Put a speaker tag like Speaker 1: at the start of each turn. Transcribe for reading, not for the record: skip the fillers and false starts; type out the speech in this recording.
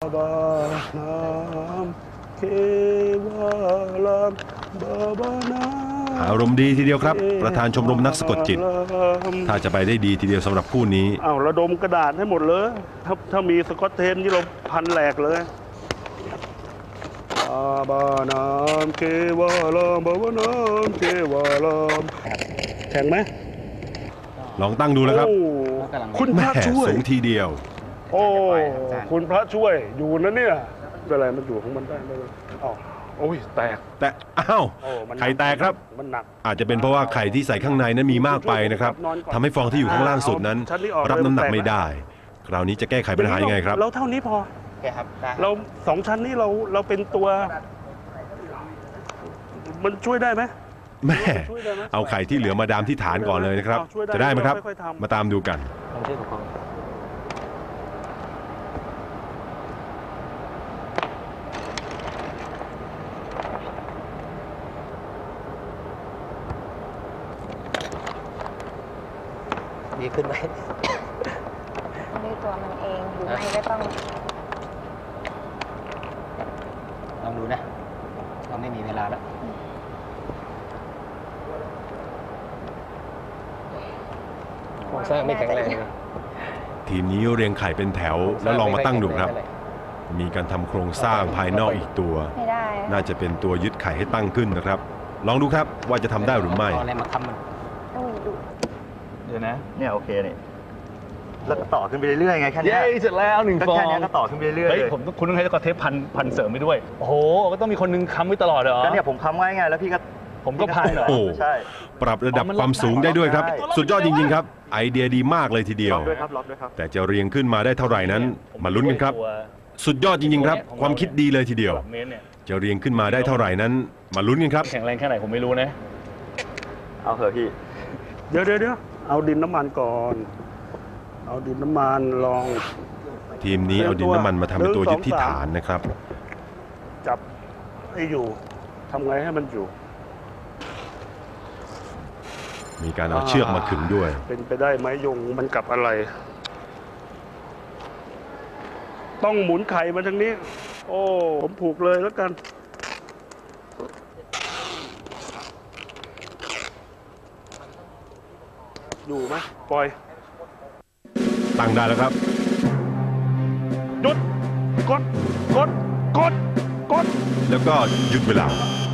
Speaker 1: บานามเควาลามบาบานา
Speaker 2: อารมณ์ดีทีเดียวครับประธานชมรมนักสะกดจิตถ้าจะไปได้ดีทีเดียวสำหรับคู่นี้
Speaker 1: เอาระดมกระดาษให้หมดเลยถ้ามีสกอตเทนที่เราพันแหลกเลยบานามเควาลามบาบานามเควาลามแข็งไหม
Speaker 2: ลองตั้งดูแล้วครับ
Speaker 1: คุณพ
Speaker 2: แม่
Speaker 1: ระช่วย
Speaker 2: สูงทีเดียว
Speaker 1: โอ้คุณพระช่วยอยู่นะเนี่ยเป็นไรมันอยู่ของมันได้ไหมอ๋อโอ้ยแตก
Speaker 2: แต่อ้าวไข่แตกครับ
Speaker 1: มันหนัก
Speaker 2: อาจจะเป็นเพราะว่าไข่ที่ใส่ข้างในนั้นมีมากไปนะครับทำให้ฟองที่อยู่ข้างล่างสุดนั้นรับน้ำหนักไม่ได้คราวนี้จะแก้ไขปัญหายังไงครับ
Speaker 1: เราเท่านี้พอเรา2 ชั้นนี้เราเป็นตัวมันช่วยได้ไหม
Speaker 2: แม่เอาไข่ที่เหลือมาดามที่ฐานก่อนเลยนะครับจะได้ไหมครับมาตามดูกัน
Speaker 3: ดีขึ้นไหม
Speaker 4: ด้วยตัวมันเองหรือไม่ก็ต้อง
Speaker 3: ลองดูนะเราไม่มีเวลาแล้วโครงสร้างไม่แข็งแรง
Speaker 2: ทีมนี้เรียงไข่เป็นแถวแล้วลองมาตั้งดูครับมีการทำโครงสร้างภายนอกอีกตัวน่าจะเป็นตัวยึดไข่ให้ตั้งขึ้นนะครับลองดูครับว่าจะทำได้หรือไม่
Speaker 3: อะไรมาค้ำมันเดี๋ยวนะ
Speaker 5: เนี่ยโอเคนี่แล้วก็ต่อขึ้นไปเรื่อยๆไงแค่นี้
Speaker 3: เสร็จแล้ว1 ฟอง
Speaker 5: แค่นี้ก็ต่อขึ้นไปเรื่อยๆ
Speaker 3: เฮ้ยคุณต้องให้เทปพันเสริมไปด้วยโอ้โหก็ต้องมีคนนึงค้ำไว้ตลอดเหรอ
Speaker 5: ก็เนี่ยผมค้ำไว้ไงแล้วพี่ก็
Speaker 3: ผมก็พันเหรอ
Speaker 5: ใช่
Speaker 2: ปรับระดับความสูงได้ด้วยครับสุดยอดจริงๆครับไอเดียดีมากเลยทีเดียวแต่จะเรียงขึ้นมาได้เท่าไหร่นั้นมาลุ้นกันครับสุดยอดจริงๆครับความคิดดีเลยทีเดียวจะเรียงขึ้นมาได้เท่าไหร่นั้นมาลุ้นกันครับ
Speaker 3: แข็งแรงแค่ไหนผมไม่รู้นะ
Speaker 5: เอาเถอะพี่
Speaker 1: เดี๋ยวเอาดินน้ำมันก่อนเอาดินน้ำมันลอง
Speaker 2: ทีมนี้เอาดินน้ำมันมาทำเป็นตัวยึดที่ฐานนะครับ
Speaker 1: จับให้อยู่ทำไงให้มันอยู่
Speaker 2: มีการเอาเชือกมาขึงด้วย
Speaker 1: เป็นไปได้ไหมยงมันกับอะไรต้องหมุนไข่มาทางนี้โอ้ผมผูกเลยแล้วกันอยู่ไหมปล่อย
Speaker 2: ตั้งได้แล้วครับ
Speaker 1: หยุดกดแล้วก็
Speaker 2: หยุดเวลา